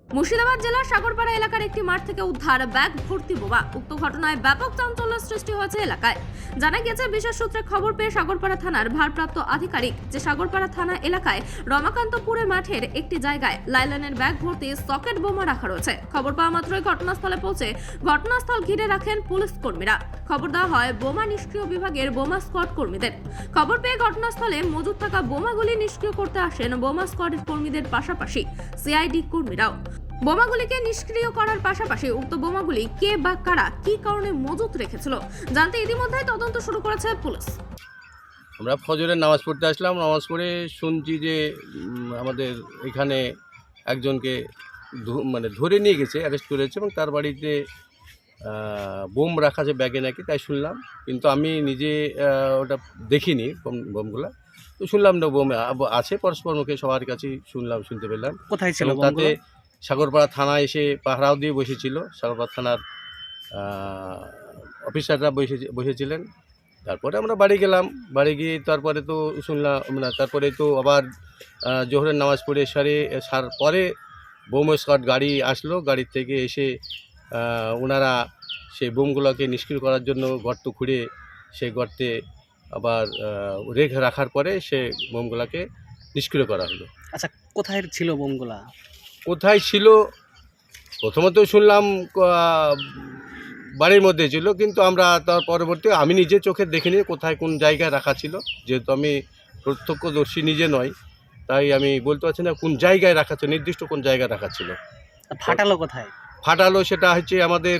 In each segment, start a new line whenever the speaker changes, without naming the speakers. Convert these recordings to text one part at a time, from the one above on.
মুর্শিদাবাদ জেলার সাগরপাড়া এলাকার একটি মাঠ থেকে উদ্ধার ব্যাগ ভর্তি বোমা। উক্ত ঘটনায় ব্যাপক চাঞ্চল্যের সৃষ্টি হয়েছে এলাকায়। জানা গেছে, বিশেষ সূত্রে খবর পেয়ে সাগরপাড়া থানার ভারপ্রাপ্ত আধিকারিক যে সাগরপাড়া থানা এলাকায় রমাকান্তপুরে মাঠের একটি জায়গায় লাইলনের ব্যাগ ভর্তি সকেট বোমা রাখা রয়েছে। খবর পাওয়া মাত্রই ঘটনাস্থলে পৌঁছে ঘটনাস্থল ঘিরে রাখেন পুলিশ কর্মীরা। খবর দেওয়া হয় বোমা নিষ্ক্রিয় বিভাগের বোমা স্কোয়াড কর্মীদের। খবর পেয়ে ঘটনাস্থলে মজুদ থাকা বোমাগুলি নিষ্ক্রিয় করতে আসেন বোমা স্কোয়াডের কর্মীদের পাশাপাশি সিআইডি কর্মীরাও। বোমাগুলিকে নিষ্ক্রিয় করার পাশাপাশি উক্ত বোমাগুলি কে বা কারা কি কারণে মজুত রেখেছিল জানতে ইতিমধ্যে তদন্ত শুরু করেছে পুলিশ।
আমরা ফজরের নামাজ পড়তে আসলাম। নামাজ পড়ে শুনছি যে আমাদের এখানে একজনকে ধরে নিয়ে গেছে, অ্যারেস্ট করেছে এবং তার বাড়িতে বোম রাখা আছে ব্যাগে নাকি, তাই শুনলাম। কিন্তু আমি নিজে ওটা দেখিনি বোমগুলো, তো শুনলাম না বোম আছে, পরস্পর মুখে সবার কাছেই শুনতে পেলাম।
কোথায় ছিল
তাতে সাগরপাড়া থানা এসে পাহারাও দিয়ে বসেছিল, সাগরপাড়া থানার অফিসাররা বসেছিলেন। তারপরে আমরা বাড়ি গেলাম। বাড়ি গিয়ে তারপরে তো শুনলাম তারপরে তো আবার জোহরের নামাজ পড়ে সার পরে বোম স্কোয়াড গাড়ি আসলো। গাড়ির থেকে এসে ওনারা সেই বোমগুলোকে নিষ্ক্রিয় করার জন্য গর্ত খুঁড়ে সেই গর্তে আবার রেখে রাখার পরে সে বোমগুলোকে নিষ্ক্রিয় করা হলো।
আচ্ছা, কোথায় ছিল বোমগুলা?
কোথায় ছিল প্রথমত শুনলাম বাড়ির মধ্যে ছিল, কিন্তু আমরা তার পরবর্তী আমি নিজে চোখে দেখিনি কোথায় কোন জায়গায় রাখা ছিল। যেহেতু আমি প্রত্যক্ষদর্শী নিজে নয়, তাই আমি বলতে পারছি না কোন জায়গায় রাখা ছিল, নির্দিষ্ট কোন জায়গায় রাখা ছিল।
ফাটালো কোথায়?
ফাটালো সেটা হচ্ছে আমাদের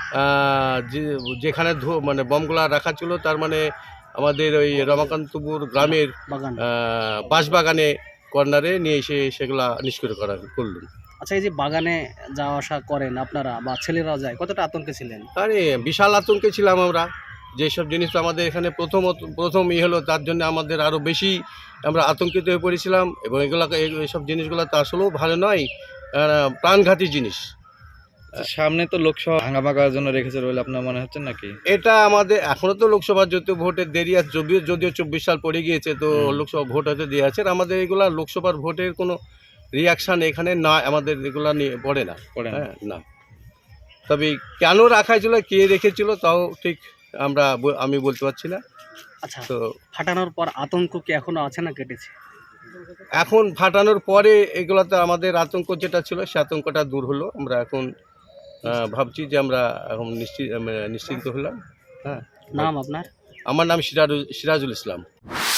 যেখানে বমগুলা রাখা ছিল, তার মানে আমাদের ওই রমাকান্তপুর গ্রামের বাঁশবাগানে কর্নারে নিয়ে এসে সেগুলা নিষ্ক্রিয় করলেন।
আচ্ছা, এই যে বাগানে যাওয়া আসা করেন আপনারা বা ছেলেরাও যায়, কতটা আতঙ্কে ছিলেন?
আরে বিশাল আতঙ্কে ছিলাম আমরা। যেসব জিনিস তো আমাদের এখানে প্রথম হলো, তার জন্য আমাদের আরও বেশি আমরা আতঙ্কিত হয়ে পড়েছিলাম। এবং এইসব জিনিসগুলো তো আসলেও ভালো নয়, প্রাণঘাতী জিনিস।
সামনে তো লোকসভা ভাঙার জন্য রেখেছে বলে আপনার মনে হচ্ছে নাকি?
এটা আমাদের এখনও তো লোকসভার ভোটের দেরি আছে, যদিও 24 সাল পড়ে গিয়েছে, তো লোকসভা ভোট হয়তো দিয়ে আছে। আর আমাদের এগুলা লোকসভার ভোটের কোনো রিয়াকশান এখানে না, আমাদের এগুলা নিয়ে পড়ে না। হ্যাঁ, না। তবে কেন রাখা ছিল, কে রেখেছিল, তাও ঠিক আমি বলতে পারছি না।
আচ্ছা,
তো
ফাটানোর পর আতঙ্ক কি এখনো আছে না কেটেছে?
এখন ফাটানোর পরে এগুলাতে আমাদের আতঙ্ক যেটা ছিল, সে আতঙ্কটা দূর হলো। আমরা এখন ভাবছি যে আমরা এখন নিশ্চিন্ত হলাম। হ্যাঁ।
নাম আপনার?
আমার নাম সিরাজুল ইসলাম।